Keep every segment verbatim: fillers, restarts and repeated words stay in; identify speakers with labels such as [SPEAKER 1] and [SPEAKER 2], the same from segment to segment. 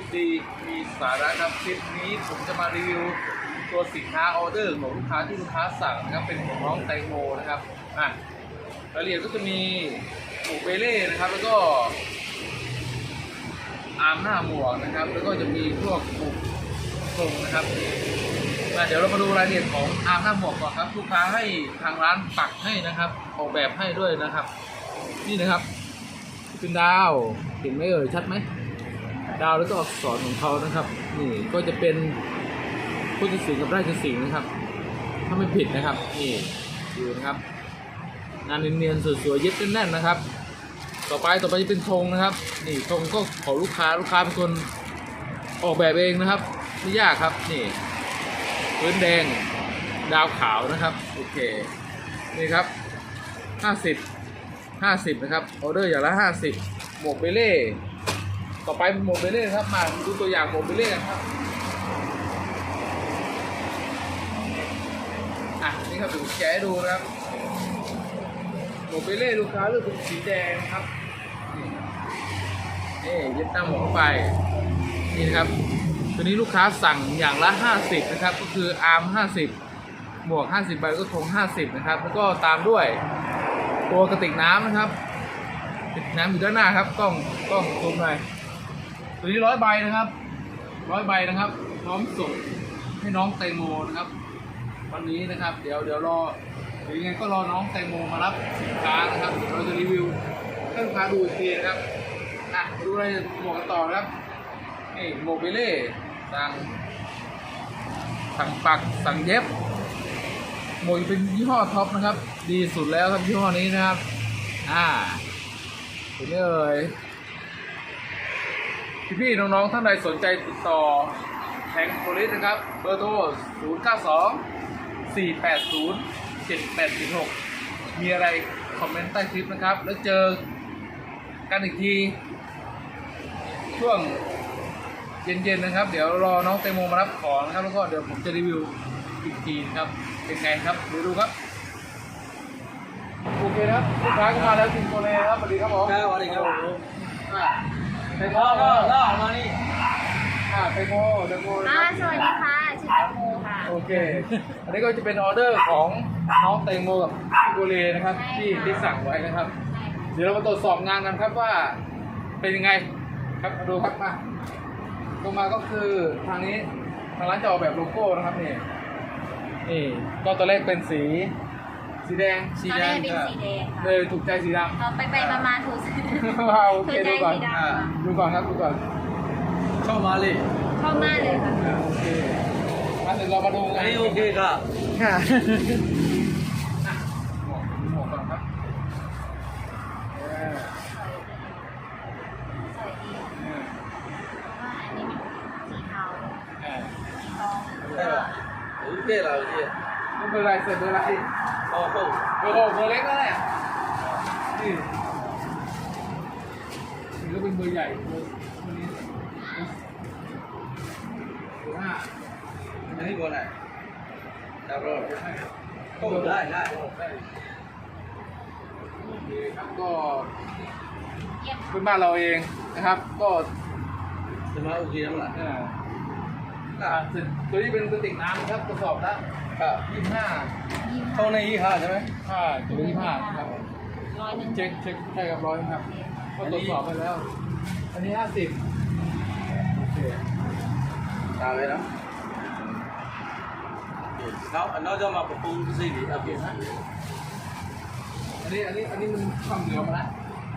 [SPEAKER 1] ดีมีสาระครับคลิปนี้ผมจะมารีวิวตัวสินค้าออเดอร์ของลูกค้าที่ลูกค้าสั่งนะครับเป็นของน้องแตงโมนะครับอ่ะรายละเอียดก็จะมีหมูเบเล่นะครับแล้วก็อาร์มหน้าหมวกนะครับแล้วก็จะมีพวกหมูทรงนะครับเดี๋ยวเรามาดูรายละเอียดของอาร์มหน้าหมวกก่อนครับลูกค้าให้ทางร้านปักให้นะครับออกแบบให้ด้วยนะครับนี่นะครับเป็นดาวเห็นไหมเอ่ยชัดไหมดาวแล้วก็อักษรของเขานะครับนี่ก็จะเป็นพุทธศิลป์กับราชสิงห์นะครับถ้าไม่ผิดนะครับนี่ดูนะครับงานเนียนๆสวยๆเย็บแน่นๆนะครับต่อไปต่อไปจะเป็นธงนะครับนี่ธงก็ของลูกค้าลูกค้าเป็นคนออกแบบเองนะครับไม่ยากครับนี่พื้นแดงดาวขาวนะครับโอเคนี่ครับห้าสิบ ห้าสิบนะครับออเดอร์อย่างละห้าสิบหมวกเบเล่ต่อไปหมวกเบเล่ครับมาดูตัวอย่างหมวกเบเล่กันครับอ่ะนี่ครับเดี๋ยวผมแกะให้ดูนะครับหมวกเบเล่ลูกค้าเลือกเป็นสีแดงครับนี่เย็บตามหมวกเข้าไปนี่นะครับตัวนี้ลูกค้าสั่งอย่างละห้าสิบนะครับก็คืออาร์มห้าสิบหมวกห้าสิบใบก็ธงห้าสิบนะครับแล้วก็ตามด้วยตัวกระติกน้ำนะครับกระติกน้ำอยู่ด้านหน้าครับกล้องกล้องซูมหน่อยตัวนี้ร้อยใบนะครับร้อยใบนะครับพร้อมส่งให้น้องแตงโมนะครับวันนี้นะครับเดี๋ยวเดี๋ยวรอหรือยังไงก็รอน้องแตงโมมารับสินค้านะครับเดี๋ยวเราจะรีวิวให้ลูกค้าดูอีกทีนะครับอ่ะมาดูอะไรหมวกกันต่อนะครับนี่หมวกเบเล่สั่งสั่งปักสั่งเย็บหมวกเป็นยี่ห้อท็อปนะครับดีสุดแล้วครับยี่ห้อนี้นะครับอ่าเห็นไหมเอ่ยพี่ๆน้องๆท่านใดสนใจติดต่อแทงโพลิสนะครับเบอร์โทรศูนย์ เก้า สอง สี่ แปด ศูนย์ เจ็ด แปด สี่ หกมีอะไรคอมเมนต์ใต้คลิปนะครับแล้วเจอกันอีกทีช่วงเย็นๆนะครับเดี๋ยวรอน้องแตงโมมารับของนะครับแล้วก็เดี๋ยวผมจะรีวิวอีกทีครับเป็นไงครับดูดูครับโอเคครับลูกค้าก็มาแล้วทีมโคเรครับสวัสดีครับผม
[SPEAKER 2] สวัสดีครับ
[SPEAKER 1] แตงโมก็ล่อมานี่อ่าแตงโมแตงโม
[SPEAKER 3] อ่าสวัสดีค่ะชื่อแตงโมค่ะ
[SPEAKER 1] โอเคอันนี้ก็จะเป็นออเดอร์ของน้องแตงโมกับพี่โคเรนะครับที่ที่สั่งไว้นะครับเดี๋ยวเรามาตรวจสอบงานกันครับว่าเป็นยังไงครับมาดูครับมาลงมาก็คือทางนี้ทางร้านจะออกแบบโลโก้นะครับนี่นี่ก็ตัวเลขเป็นสีสีแดง
[SPEAKER 3] สีแดงเป็นสีแดงค่ะ
[SPEAKER 1] เลยถูกใจสีดำ
[SPEAKER 3] ต่อไปไปประมาณถูก
[SPEAKER 1] โอเคดูก่อนดูก่อนครับดูก่อน
[SPEAKER 2] เข้ามาเลย
[SPEAKER 3] เข้ามาเลยค่ะ
[SPEAKER 1] โอเคมาเดี๋ยวเรามาดูกัน
[SPEAKER 2] โอเคค่ะ
[SPEAKER 1] ค่ะหมวกก่อนครับ
[SPEAKER 3] สวยดีว่าอันนี้มันสีเทาสีทอง
[SPEAKER 2] ได้ป่ะโอเคแล้วพี่
[SPEAKER 1] ไม่เป็นไรเสร็จเบอร์อะไร
[SPEAKER 2] โอ้โห
[SPEAKER 1] เบอร์หกเบอร์เล็กแล้วแหละนี่นี่ก็เป็นเบอร์ใหญ่เบอร์นี้เบอร์ห้า
[SPEAKER 2] อันนี้เบอร์ไหนดับเบิลโอ้ได้ได้
[SPEAKER 1] นี่ครับก็เป็นบ้านเราเองนะครับก็
[SPEAKER 2] จะมาโอเคแล้วล่ะ
[SPEAKER 1] อ่าตัวนี้เป็นกระติกน้ำนะครับกระสอบละยี่สิบห้า
[SPEAKER 2] เข้าในยี่ห้าใช่ไหม
[SPEAKER 1] ห้าจุดยี่ห้าครับ
[SPEAKER 3] ร้อยหนึ่ง
[SPEAKER 1] เช็คเช็คใช่ครับร้อยครับก็ตรวจสอบไปแล้วอันนี้ห้าสิบโอเค
[SPEAKER 2] ตามเลยนะเขาอันนั้นจะมาปรับปรุงสิ่งนี้โอเคนะ
[SPEAKER 1] อันนี้อันนี้อันนี้มันทำเหลือมาแล้ว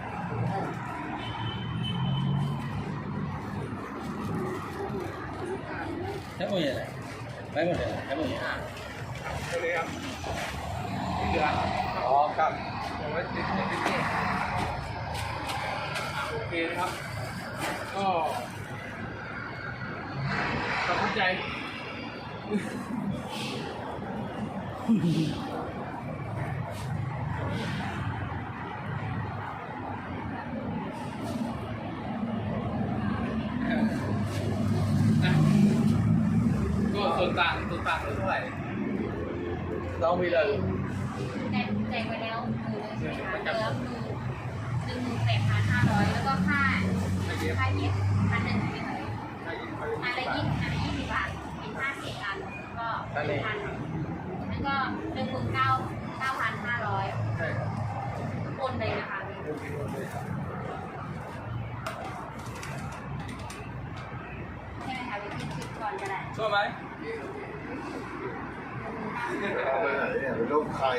[SPEAKER 2] ใช่ไหมเนี่ยไม่หมดเลยใช่ไหมเนี่ย
[SPEAKER 1] ใช่เลยครับนี่เหลือ
[SPEAKER 2] อ๋อครับ
[SPEAKER 1] เอาไว้ติดติดติดนี่โอเคนะครับก็ตัดสินใจก็ส่วนต่างส่วนต่างเท่าไหร่
[SPEAKER 2] ต้องมีเลย
[SPEAKER 3] แต่แจกไปแล้วคือเหลือคือหนึ่งหมื่นแปดพันห้าร้อยแล้วก็ค่าค่าเย็บพันหนึ่งเป็นอันละยี่อันละยี่สิบบาทเป็นห้าสิบอันก็หนึ่งพันแล้วก็หนึ่งหมื่นเก้าเก้าพันห้าร้อย
[SPEAKER 1] ใช่ครับ
[SPEAKER 3] โอนเลยนะคะ ใช่ไหมคะวิธีคิดก่อนก็ได้
[SPEAKER 2] ชอบไหม
[SPEAKER 4] เอาไปไหนเนี่ยเป็นรูปใคร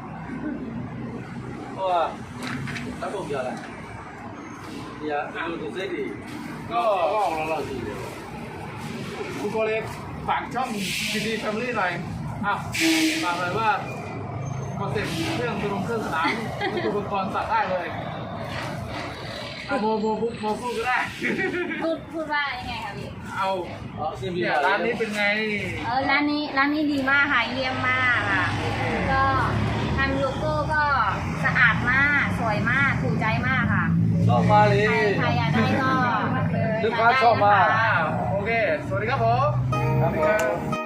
[SPEAKER 2] เพราะว่าถ้าผมเยอะแหละเดี๋ยวดูดูเส้นดี
[SPEAKER 1] ก็
[SPEAKER 2] ก็ออกแล้วเราดีเลย
[SPEAKER 1] คุณโกเล็กฝากช่องดีดีแฟมิลี่หน่อยอ้าวฝากเลยว่าคอนเซ็ปต์เครื่องดนตรีเครื่องสนามนี่อุปกรณ์สั่งได้เลยอ่ะโมโมโมโมพูดก็ได้
[SPEAKER 3] พูดพูดว่ายังไงคะพี่
[SPEAKER 1] เอา
[SPEAKER 2] อ๋อเส้นดี
[SPEAKER 1] เนี่ยร้านนี้เป็นไง
[SPEAKER 3] เออร้านนี้ร้านนี้ดีมากค่ะเยี่ยมมากค่ะก็ทำโลโก้ก็สะอาดมากสวยมากถูกใจมากค่ะ
[SPEAKER 2] ชอบมาเล
[SPEAKER 3] ใคร
[SPEAKER 2] ย
[SPEAKER 3] ใครอยากได้ก็
[SPEAKER 2] ลูกค้าชอบมาก
[SPEAKER 1] อ่าโอเค สวัสดีครับผม
[SPEAKER 2] ครับผม